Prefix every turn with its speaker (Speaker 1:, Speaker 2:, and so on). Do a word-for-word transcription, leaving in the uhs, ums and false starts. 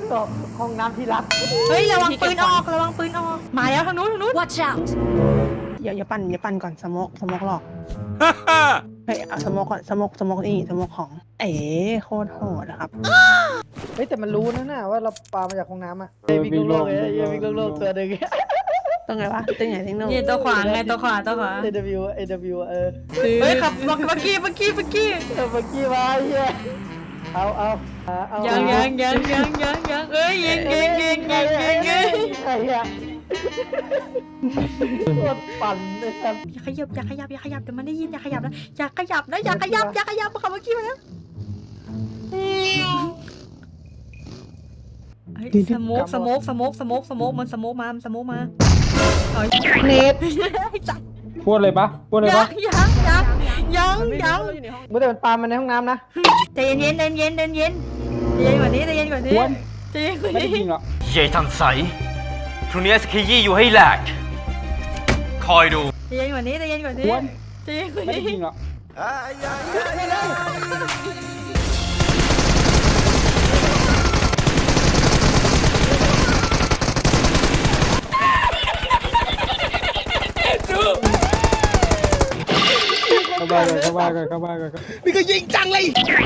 Speaker 1: ตอบห้องน้ำที่รัก
Speaker 2: เฮ้ยระวังปืนออกระวังปืนออกมาแล้วทางนู้นทางนู้น
Speaker 3: Watch out!
Speaker 4: อย่าอย่าปั่นอย่าปั่นก่อนสโมกสโมกหลอกเฮ้ยเอาสโมกก่อนสโมกสโมกนี่สโมกของเอ๋โคตรโหดนะครับ
Speaker 1: เฮ้ยแต่มันรู้นะน่ะว่าเราปลามาจากห้องน้ำอ่ะเฮ้ยวิ่งโลกเลยเฮ้ยวิ่งโลกตัวหนึ่ง
Speaker 4: ต้องไงวะตึงไหนตึงโน่
Speaker 2: นี่ตัวขวาไงตัวขวาตัวขวา
Speaker 1: เอ ว เอ ว เออ
Speaker 2: เฮ้ยขับเมื่อกี้เมื่อกี้เมื่อกี้
Speaker 1: เออเมื่อกี้มาเฮียเอาเอาเอา
Speaker 2: ยังยังยังยังยังยังเอ้ยยิงยิงยิงยิงยิงยิง
Speaker 1: ไอ้เหี้ยโคตรปั่นเลยครับ
Speaker 2: อย่าขยับอย่าขยับอย่าขยับเดี๋ยวมันได้ยินอย่าขยับนะอย่าขยับนะอย่าขยับอย่าขยับขับเมื่อกี้มาแล้วสโมกสโมกสโมกสโมกสโมกมันสโมกมามันสโมกมาเฮ้ย
Speaker 1: เน็ต
Speaker 2: จับ
Speaker 5: พูดเลยปะพูดเลย
Speaker 2: ยั
Speaker 5: ปะ
Speaker 2: งยังยังยังยัง
Speaker 1: เมื่อแต่มันปลามันในห้องน้ำนะ
Speaker 2: ใจเย็นใจเย็นใจเย็นใจเย็นกว่านี้ใจเย็นกว่านี้ใจเย็นกว่า
Speaker 5: ไม่ได้
Speaker 2: นี้
Speaker 5: ยิงหรอก
Speaker 6: ใหญ่ทันใสพรุ่งนี้จะขยี้อยู่ให้แหลก คอยดู
Speaker 2: ใจเย็นกว่านี้ใจเย็นกว่านี้ใจเย็นกว่า
Speaker 5: ไม่ได้
Speaker 2: นี้
Speaker 5: ยิงหรอก เข้าบ้านก่อนเข้าบ้านก่อนเข้าบ้านก่อน